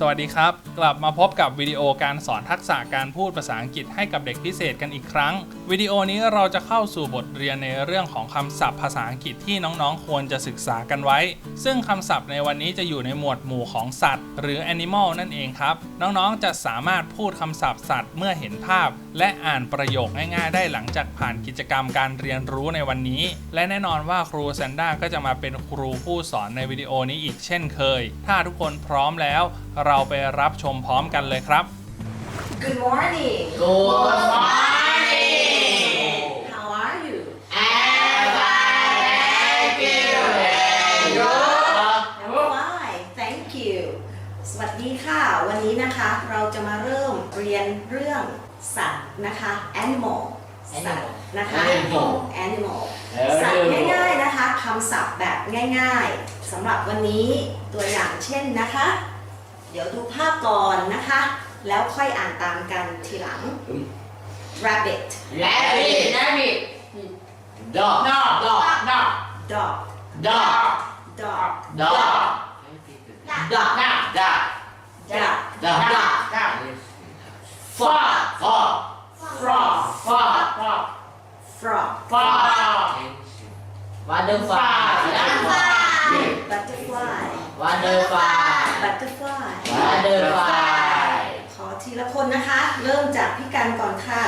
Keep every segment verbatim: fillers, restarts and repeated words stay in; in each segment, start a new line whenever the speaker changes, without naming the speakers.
สวัสดีครับกลับมาพบกับวิดีโอการสอนทักษะการพูดภาษาอังกฤษให้กับเด็กพิเศษกันอีกครั้งวิดีโอนี้เราจะเข้าสู่บทเรียนในเรื่องของคำศัพท์ภาษาอังกฤษที่น้องๆควรจะศึกษากันไว้ซึ่งคำศัพท์ในวันนี้จะอยู่ในหมวดหมู่ของสัตว์หรือ animal นั่นเองครับน้องๆจะสามารถพูดคำศัพท์สัตว์เมื่อเห็นภาพและอ่านประโยคง่ายๆได้หลังจากผ่านกิจกรรมการเรียนรู้ในวันนี้และแน่นอนว่าครูแซนด้าก็จะมาเป็นครูผู้สอนในวิดีโอนี้อีกเช่นเคยถ้าทุกคนพร้อมแล้วเราไปรับชมพร้อมกันเลยครับ
Good morning.
Good morning.
How are you?
I'm fine, thank you. And you?
I'm fine. Thank you. สวัสดีค่ะ วันนี้นะคะเราจะมาเริ่มเรียนเรื่องสัตว์นะคะ Animal สัตว์นะคะ
Animal
Animal สัตว์ง่ายๆนะคะคำศัพท์แบบง่ายๆสำหรับวันนี้ตัวอย่างเช่นนะคะเดี๋ยวดูภาพก่อนนะคะแล้วค่อยอ่านตามกันทีหลัง rabbit
Rabbit. Rabbit. Dog. Dog. Dog.
dog
Dog.
dog
Dog. Dog. Duck. Duck.
duck
Duck. Duck. Frog. Frog. Frog. Frog.
frog
Frog. Butterfly.
butterfly
Butterfly.
butterfly
Butterfly.
ขอทีละคนนะคะเริ่มจากพี่กันก่อนค่ะ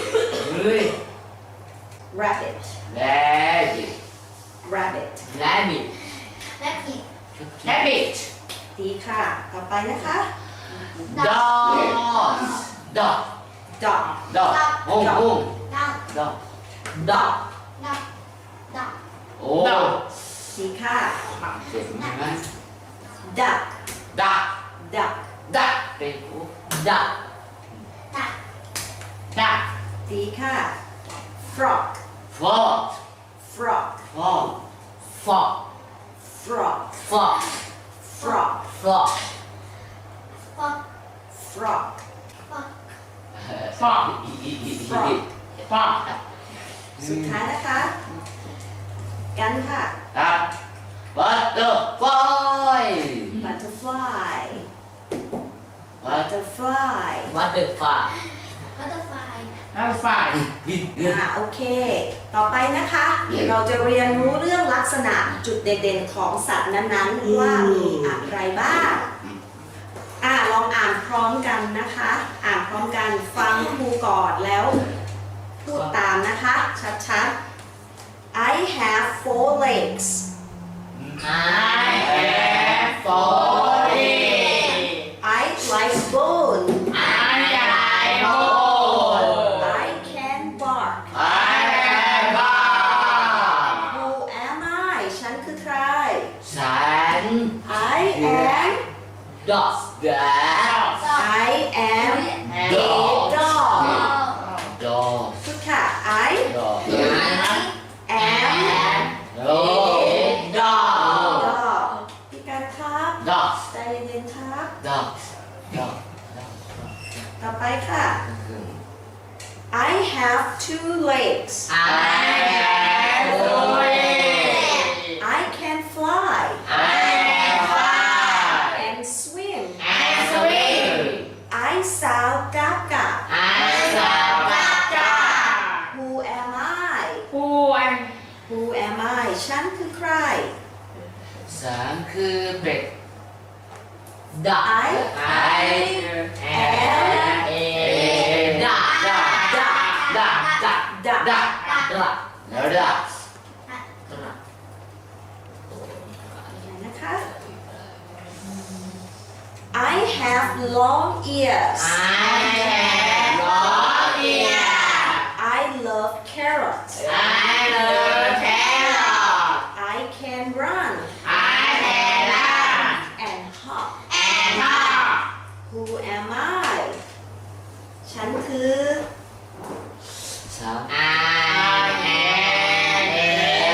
rabbit
Rabbit.
rabbit
Rabbit. Rabbit.
ดีค่ะต่อไปนะคะ
Dog. Dog.
dog
Dog. Boom, boom. Dog. Dog. Oh.
ดีค่ะ
เสียงใช่ไหม
duck
Duck.
duck
Duck. เป็น Duck. Duck.
ดีค่ะ frog
Frog.
frog
Frog. Frog.
frog
Frog.
frog
Frog.
frog
Frog. Frog.
สุดท้ายนะคะกันค่ะ
ครับ Butterfly.
butterfly
What?
butterfly
Butterfly. Butterfly.
อ่าโอเค ต่อไปนะคะ เราจะเรียนรู้เรื่องลักษณะจุดเด่นๆของสัตว์นั้นๆว่ามีอะไรบ้างอ่าลองอ่านพร้อมกันนะคะ อ่านพร้อมกันฟังครูก่อนแล้วพูดตามนะคะชัดๆ I have four legs
I have four legs.
I like bone
I like bone.
I can bark
I can bark.
Who am I ฉันคือใคร
ฉัน
I am
dog.
I am a
Dog.
dog
Dog.
พูดค่ะ I
Dog.
am
Dog. Dog.
dog พี่การครับ
Dog.
ใจเย็นๆครับ
Dog. Dog.
ต่อไปค่ะ I have two legs
I have four legs.
I can fly
I can fly.
and swim
And swim.
I sound กา
I sound like a
Who am I
Who am
Who am I ฉันคือใคร
สามคือเป็ด Duck.
I
I am a duck. Duck. Duck. Duck.
duck
Duck. Duck. แล้ว duck.
นะคะ I have long ears
I have long ears.
I love carrots
I love carrot.
I can run
I can run
and hop
and hop.
Who am I ฉันคือ
สาม I am a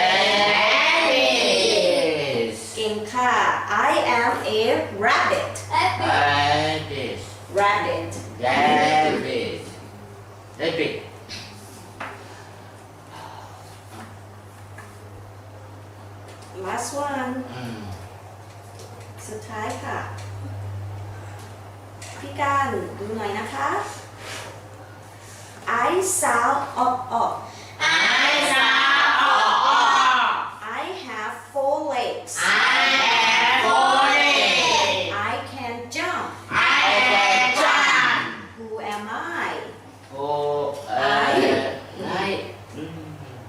rabbit.
เก่งค่ะ I am a rabbit
Rabbit.
rabbit
Rabbit. Rabbit.
last one
อืม
สุดท้ายค่ะพี่การดูหน่อยนะคะ I sound up up
I sound
I have four legs
I have four legs.
I can jump
I can jump.
Who am I
Oh, uh, right. Mm.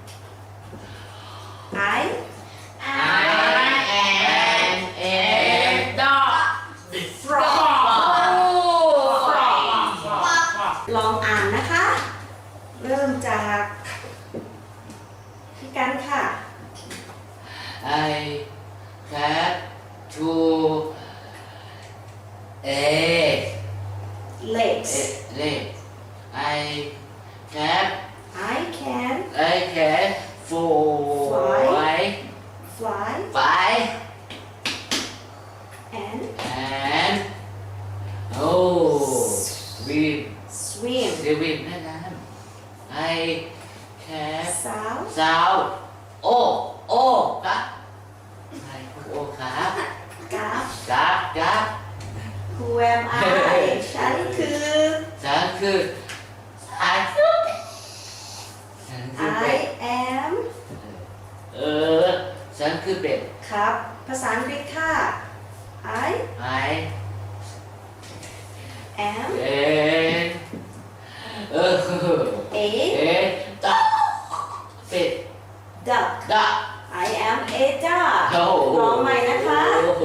I
I am a dog.
frog
Frog.
ลองอ่านนะคะ เริ่มจากพี่กันค่ะ
I have two eggs.
legs
Legs. I have
I can
I can four
fly
five
and
and oh swim
swim
swim แม่น้ำ I can
sound
sound โอ้โอ้ครับไอ้โอ้ครับ
กับ
ครับครับ
Who am I ฉันคือ
ฉันคือฉันฉันคือเป็
I
ด
am
เออฉันคือเป็ด
ครับ ภาษาอังกฤษค่ะ I
I
am
เอ็นเออ
a
เอ็นตักเป็ด
duck
ดัก
I am a duck
โอ้โห
ลองใหม่นะคะ
โอ้โห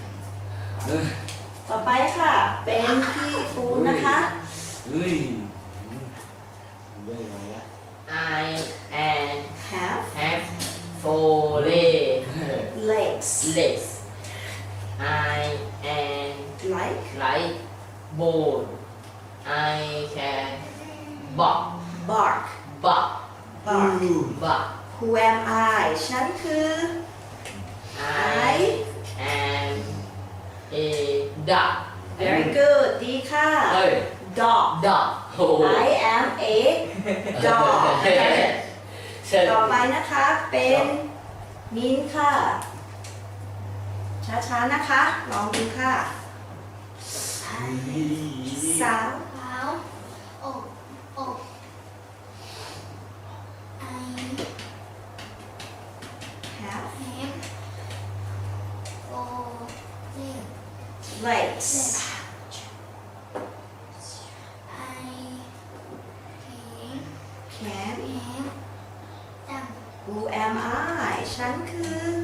ต่อไปค่ะ เป็นพี่ปูนนะคะ
เฮ้ยได้ไหมอะ
I am
have
have four legs.
legs
legs. I am
like
like bone. I can bark,
bark
bark,
bark
bark.
Who am I ฉันคือ
I am a duck.
very good ดีค่ะ
เฮ้ย
dog
Duck.
โอ้โห
I am a dog
เชิญ
ต่อไปนะคะ เป็นมิ้นท์ค่ะ ช้าๆนะคะ ลองดูค่ะ สาว
Báo ồ ồ I
have
have four legs.
legs
I can
can
have them.
Who am I ฉันคือ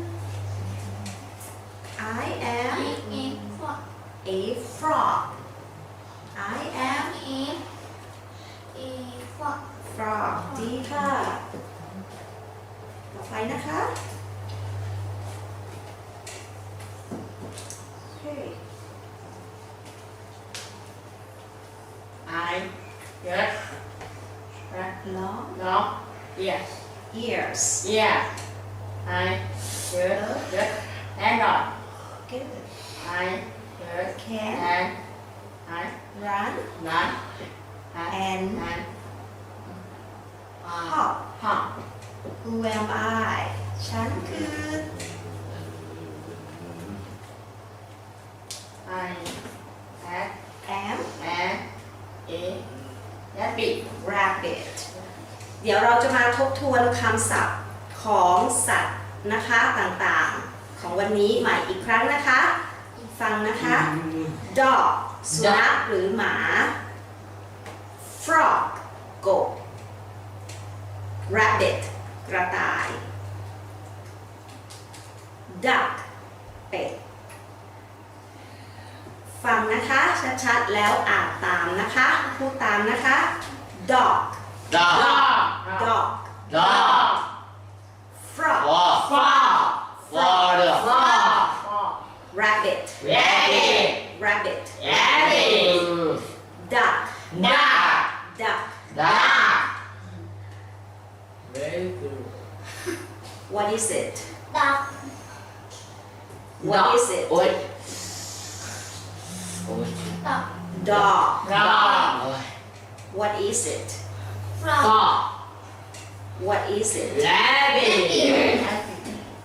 I am
I am frog.
a frog I am
I am a frog.
frog ดีค่ะ ต่อไปนะคะโอเค
I yes.
ล้อ
No. Yes.
ears
Yeah. I yes. Yes. Hang on.
good
I yes.
can
And I
run
not
and
and uh,
hop
hop.
Who am I ฉันคือ
I have
am
and a rabbit.
rabbit เดี๋ยวเราจะมาทบทวนคำศัพท์ของสัตว์นะคะต่างๆ ของวันนี้ใหม่อีกครั้งนะคะ ฟังนะคะ dog สุนัขหรือหมา frog กบ rabbit กระต่าย duck เป็ด ฟังนะคะชัดๆแล้วอ่านตามนะคะพูดตามนะคะ dog
dog
dog
dog
frog
frog frog
Frog.
rabbit
rabbit
rabbit
rabbit
duck
duck
duck
duck
Very good.
what is it
Duck.
what
Duck.
is it
โอ้ยโอ้ย
Duck.
dog
Dog.
โอ้ย
what is it
Frog.
Frog.
what is it
rabbit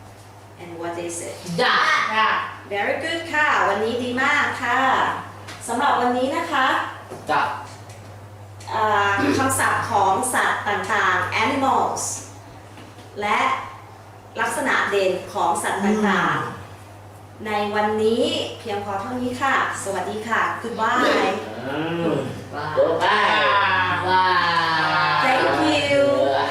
and what is it
Duck.
very good ค่ะ วันนี้ดีมากค่ะ สำหรับวันนี้นะคะ
จับ
อ่าคำศัพท์ของสัตว์ต่างๆ animals และลักษณะเด่นของสัตว์ต่างๆ ในวันนี้เพียงพอเท่านี้ค่ะ สวัสดีค่ะ goodbye
ว้าวว้าวว้าว
thank you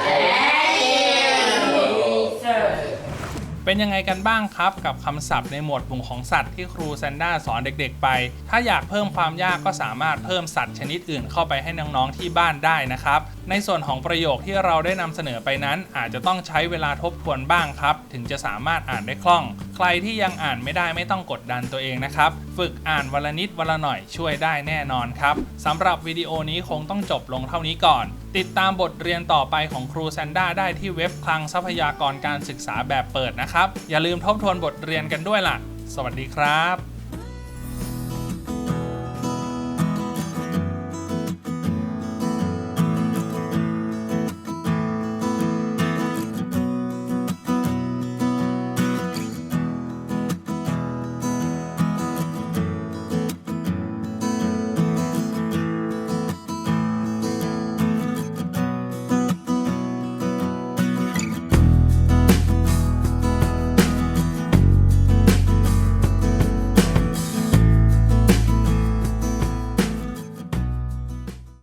เป็นยังไงกันบ้างครับกับคำศัพท์ในหมวดหมู่ของสัตว์ที่ครูแซนด้าสอนเด็กๆไปถ้าอยากเพิ่มความยากก็สามารถเพิ่มสัตว์ชนิดอื่นเข้าไปให้น้องๆที่บ้านได้นะครับในส่วนของประโยคที่เราได้นำเสนอไปนั้นอาจจะต้องใช้เวลาทบทวนบ้างครับถึงจะสามารถอ่านได้คล่องใครที่ยังอ่านไม่ได้ไม่ต้องกดดันตัวเองนะครับฝึกอ่านวันละนิดวันละหน่อยช่วยได้แน่นอนครับสำหรับวิดีโอนี้คงต้องจบลงเท่านี้ก่อนติดตามบทเรียนต่อไปของครูแซนด้าได้ที่เว็บคลังทรัพยากรการศึกษาแบบเปิดนะครับอย่าลืมทบทวนบทเรียนกันด้วยล่ะสวัสดีครับ